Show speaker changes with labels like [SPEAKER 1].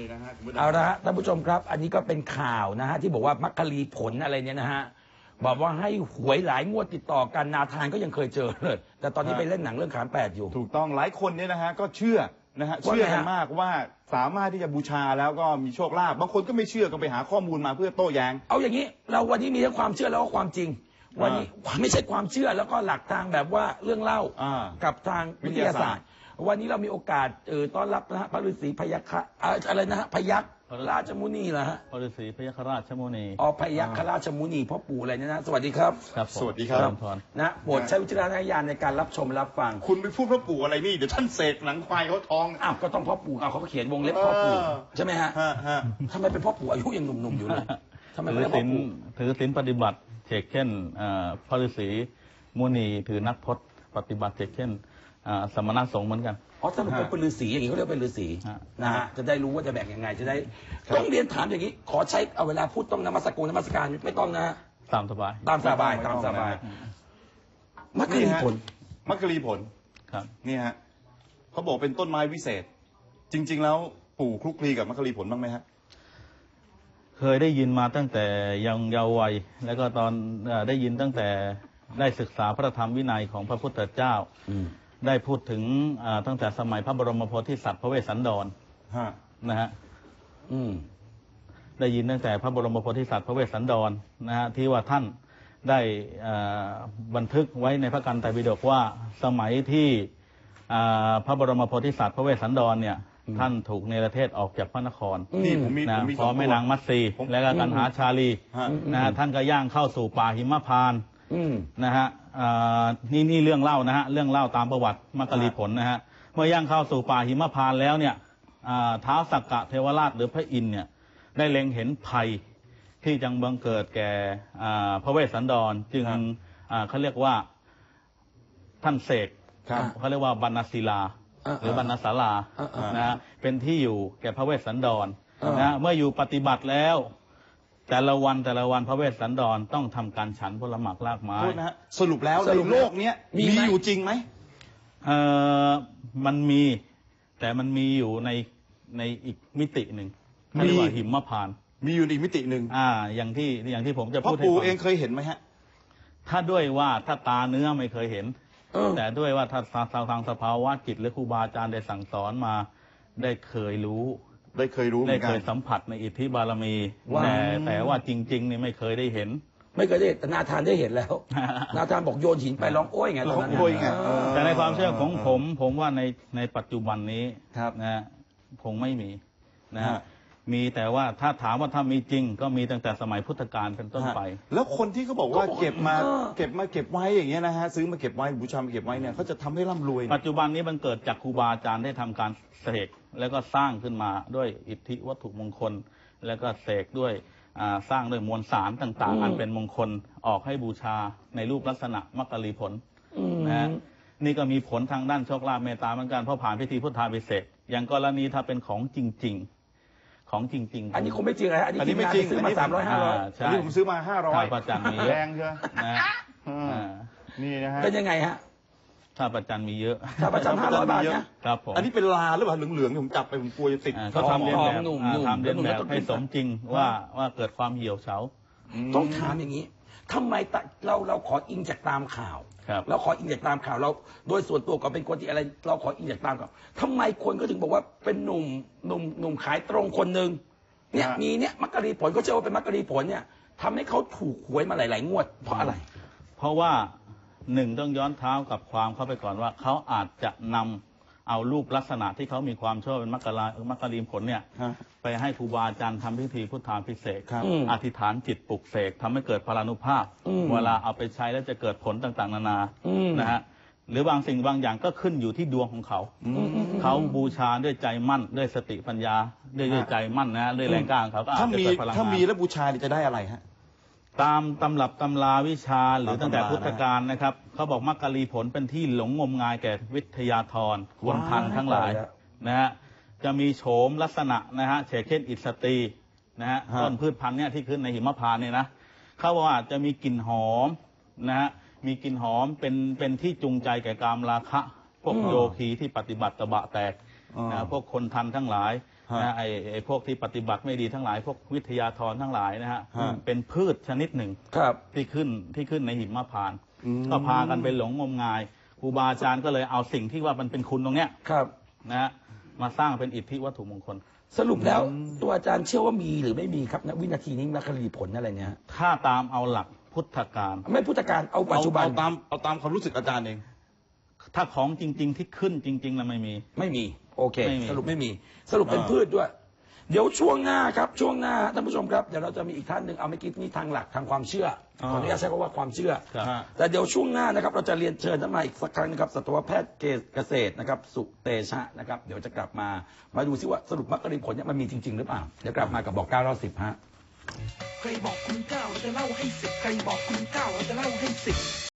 [SPEAKER 1] นี่นะฮะ
[SPEAKER 2] เอาละฮะท่านผู้ชมครับอันนี้ก็เป็นข่าวนะฮะที่บอกว่ามักกะลีผลอะไรเนี่ยนะฮะบอกว่าให้หวยหลายงวดติดต่อกันนาธานก็ยังเคยเจอเลยแต่ตอนนี้ไปเล่นหนังเรื่องขานแปดอยู่
[SPEAKER 1] ถูกต้องหลายคนเนี่ยนะฮะก็เชื่อนะฮะเชื่อกันมากว่าสามารถที่จะบูชาแล้วก็มีโชคลาภบางคนก็ไม่เชื่อก็ไปหาข้อมูลมาเพื่อโต้แย้ง
[SPEAKER 2] เอาอย่างนี้เราวันนี้มีทั้งความเชื่อแล้วก็ความจริงวันนี้ไม่ใช่ความเชื่อแล้วก็หลักทางแบบว่าเรื่องเล่ากับทางวิทยาศาสตร์วันนี้เรามีโอกาสต้อนรับนะฮะพระฤาษีพยัคฆ์อะไรนะฮะพยัคฆ์ราชมุนีเหรอฮะ
[SPEAKER 3] พระฤาษีพยัคฆ์ราชมุนี
[SPEAKER 2] พยัคฆ์ราชมุนีพ่อปู่อะไรเนี่ยนะสวัสดีครับ
[SPEAKER 1] สวัสดีครับ
[SPEAKER 2] นะโปรดใช้วิจารณญาณในการรับชมรับฟัง
[SPEAKER 1] คุณไปพูดพ่อปู่อะไรนี่เดี๋ยวท่านเสกหนังควายเขาท้อง
[SPEAKER 2] ก็ต้องพ่อปู่เขาเขียนวงเล็บพ่อปู่ใช่ไหมฮะทำไมเป็นพ่อปู่อายุยังหนุ่มๆอยู่เลยทำไมเป็นพ่อปู่
[SPEAKER 3] ถือศีลปฏิบัติเช่นพระฤาษีมุนีถือนักพจน์ปฏิบัติเช่นสมณสงฆ์เหมือนกัน
[SPEAKER 2] ถ้ามันเป็นฤาษีอย่างนี้เขาเรียกเป็นฤาษีนะฮะจะได้รู้ว่าจะแบ่งยังไงจะได้ต้องเรียนถามอย่างนี้ขอใช้เอาเวลาพูดต้องนมัสการไม่ต้องนะ
[SPEAKER 3] ตามสบาย
[SPEAKER 2] ตามสบายมักกะลีผล
[SPEAKER 1] ครับนี่ฮะเขาบอกเป็นต้นไม้วิเศษจริงๆแล้วปู่คลุกคลีกับมักกะลีผลบ้างไหมฮะ
[SPEAKER 3] เคยได้ยินมาตั้งแต่ยังเยาว์วัยแล้วก็ตอนได้ยินตั้งแต่ได้ศึกษาพระธรรมวินัยของพระพุทธเจ้าได้พูดถึงตั้งแต่สมัยพระบรมโพธิสัตว์พระเวสสันดรนะฮะได้ยินตั้งแต่พระบรมโพธิสัตว์พระเวสสันดรนะฮะที่ว่าท่านได้บันทึกไว้ในพระกันไตรปิฎกว่าสมัยที่พระบรมโพธิสัตว์พระเวสสันดรเนี่ยท่านถูกเนรเทศออกจากพระนครนะพร้อมแม่นางมัตสีและก็กันหาชาลีนะฮะท่านก็ย่างเข้าสู่ป่าหิมพานต์นะฮะนี่เรื่องเล่านะฮะเรื่องเล่าตามประวัติมักกะลีผลนะฮะเมื่อย่างเข้าสู่ป่าหิมพานต์แล้วเนี่ยท้าวสักกะเทวราชหรือพระอินทร์เนี่ยได้เล็งเห็นภัยที่จังบังเกิดแก่พระเวสสันดรจึงเขาเรียกว่าท่านเสกเขาเรียกว่าบรรณศิลาหรือบรรณศาลานะฮะเป็นที่อยู่แก่พระเวสสันดรนะเมื่ออยู่ปฏิบัติแล้วแต่ละวันพระเวสสันดรต้องทำการฉันผลหมากรากไม้
[SPEAKER 1] สรุปแล้วในโลกนี้มีอยู่จริงไหม
[SPEAKER 3] มันมีแต่มันมีอยู่ในอีกมิติหนึ่งเรียกว่าหิมพานต์
[SPEAKER 1] มีอยู่อีกมิติหนึ่ง
[SPEAKER 3] อย่างที่ผมจะพูดให้
[SPEAKER 1] พ่อปู่เองเคยเห็นไหมฮะ
[SPEAKER 3] ถ้าด้วยว่าถ้าตาเนื้อไม่เคยเห็นแต่ด้วยว่าถ้าทางสภาวะจิตหรือครูบาอาจารย์ได้สั่งสอนมาได้เคยรู้
[SPEAKER 1] ได้เคย
[SPEAKER 3] สัมผัสในอิทธิบารมีแต่ว่าจริงๆนี่ไม่เคยได้เห็น
[SPEAKER 2] แต่นาธานได้เห็นแล้วนาธานบอกโยนหินไปร้องโอ้ยไง
[SPEAKER 1] ร้องโอ้ยไง
[SPEAKER 3] แต่ในความเชื่อของผมว่าในปัจจุบันนี้นะคงไม่มีนะมีแต่ว่าถ้าถามว่าถ้ามีจริงก็มีตั้งแต่สมัยพุทธกาลเป็นต้นไป
[SPEAKER 1] แล้วคนที่เขาบอกว่าเก็บไว้อย่างเงี้ยนะฮะซื้อมาเก็บไว้บูชามาเก็บไว้เนี่ยเขาจะทำให้ร่ำรวย
[SPEAKER 3] ปัจจุบันนี้มันเกิดจากครูบาอาจารย์ได้ทำการเสกแล้วก็สร้างขึ้นมาด้วยอิทธิวัตถุมงคลแล้วก็เสกด้วยสร้างด้วยมวลสารต่างๆอันเป็นมงคลออกให้บูชาในรูปลักษณะมักกะลีผลนะฮะนี่ก็มีผลทางด้านโชคลาภเมตตาเหมือนกันเพราะผ่านพิธีพุทธาภิเษกอย่างกรณีถ้าเป็นของจริง
[SPEAKER 2] อันนี้คงไม่จริงนะอันนี้ไม่จริงซื้อมา300-500
[SPEAKER 1] อันนี้ผมซื้อมา500
[SPEAKER 3] พระจันทร์มี
[SPEAKER 1] แรงใช่ไหมนี่นะฮะ
[SPEAKER 2] เป็นยังไงฮะ
[SPEAKER 3] ถ้าประจันมีเยอะ
[SPEAKER 2] ถ้าประจัน500 บาทนะครับ
[SPEAKER 1] ผมอันนี้เป็นลาหรือเปล่าเหลืองๆผมจับไปผมกลัวจะติด
[SPEAKER 3] เขาทำเรียนแบบให้สมจริงว่าเกิดความเหี่ยวเฉา
[SPEAKER 2] ต้องถามอย่างนี้ทำไมเราขออิงจากตามข่าวเราขออิงจากตามข่าวเราโดยส่วนตัวก็เป็นคนที่อะไรเราขออิงจากตามข่าวทำไมคนก็ถึงบอกว่าเป็นหนุ่มขายตรงคนหนึ่งเนี่ยมีเนี่ยมักกะลีผลก็เชื่อว่าเป็นมักกะลีผลเนี่ยทำให้เขาถูกหวยมาหลายๆงวดเพราะอะไร
[SPEAKER 3] เพราะว่าต้องย้อนเท้ากับความเข้าไปก่อนว่าเขาอาจจะนำเอารูปลักษณะที่เขามีความชอบเป็นมักกะลีผลเนี่ยไปให้ครูบาอาจารย์ทำพิธีพุทธาภิเษกอธิษฐานจิตปลุกเสกทำให้เกิดพลานุภาพเวลาเอาไปใช้แล้วจะเกิดผลต่างๆนานานะฮะหรือบางสิ่งบางอย่างก็ขึ้นอยู่ที่ดวงของเขาเขาบูชาด้วยใจมั่นด้วยสติปัญญาด้วยใจมั่นนะด้วยแรงกล้าของเขาก็อาจจะเกิดพลังงาน
[SPEAKER 1] ถ้ามีแล้วบูชาจะได้อะไรฮะ
[SPEAKER 3] ตามตำรับตำราวิชาหรือตั้งแต่พุทธกาลนะครับเขาบอกมักกะลีผลเป็นที่หลงงมงายแก่วิทยาธรคนทันทั้งหลายนะฮะจะมีโฉมลักษณะนะฮะเช่นอิสตีนะฮะต้นพืชพันธุ์เนี่ยที่ขึ้นในหิมพานต์เนี่ยนะเขาบอกว่าจะมีกลิ่นหอมนะฮะมีกลิ่นหอมเป็นที่จูงใจแก่กามราคะพวกโยคีที่ปฏิบัติตบะแตกนะพวกคนทันทั้งหลายนะไอ้พวกที่ปฏิบัติไม่ดีทั้งหลาย พวกวิทยาธรทั้งหลายนะฮะเป็นพืชชนิดหนึ่งที่ขึ้นในหิมพานต์ก็พากันไปหลงงมงายครูบาอาจารย์ก็เลยเอาสิ่งที่ว่ามันเป็นคุณตรงเนี้ยนะฮะมาสร้างเป็นอิทธิวัตถุมงคล
[SPEAKER 2] สรุปแล้วตัวอาจารย์เชื่อว่ามีหรือไม่มีครับณวินาทีนี้มรรคลีผลอะไรเนี่ย
[SPEAKER 3] ถ้าตามเอาหลักพุทธการ
[SPEAKER 2] ไม่พุทธการเอาปัจจุบัน
[SPEAKER 1] เอาตามความรู้สึกอาจารย์เอง
[SPEAKER 3] ถ้าของจริงๆที่ขึ้นจริงๆแล้วไม่มี
[SPEAKER 2] โอเคสรุปไม่มีสรุปเป็นพืชด้วยเดี๋ยวช่วงหน้าครับช่วงหน้าท่านผู้ชมครับเดี๋ยวเราจะมีอีกท่านหนึ่งเอาไม่คิดนี่ทางหลักทางความเชื่อขออนุญาตใช้คำว่าความเชื่อแต่เดี๋ยวช่วงหน้านะครับเราจะเรียนเชิญท่านมาอีกสักครั้งนะครับสัตวแพทย์เกษตรนะครับสุเตชะนะครับเดี๋ยวจะกลับมาดูซิว่าสรุปมรรคผลเนี่ยมันมีจริงๆหรือเปล่าเดี๋ยวกลับมากับบอก9 10ฮะ
[SPEAKER 4] ใครบอกคุณ9เราจะเล่าให้10ใครบอกคุณ9เราจะเล่าให้10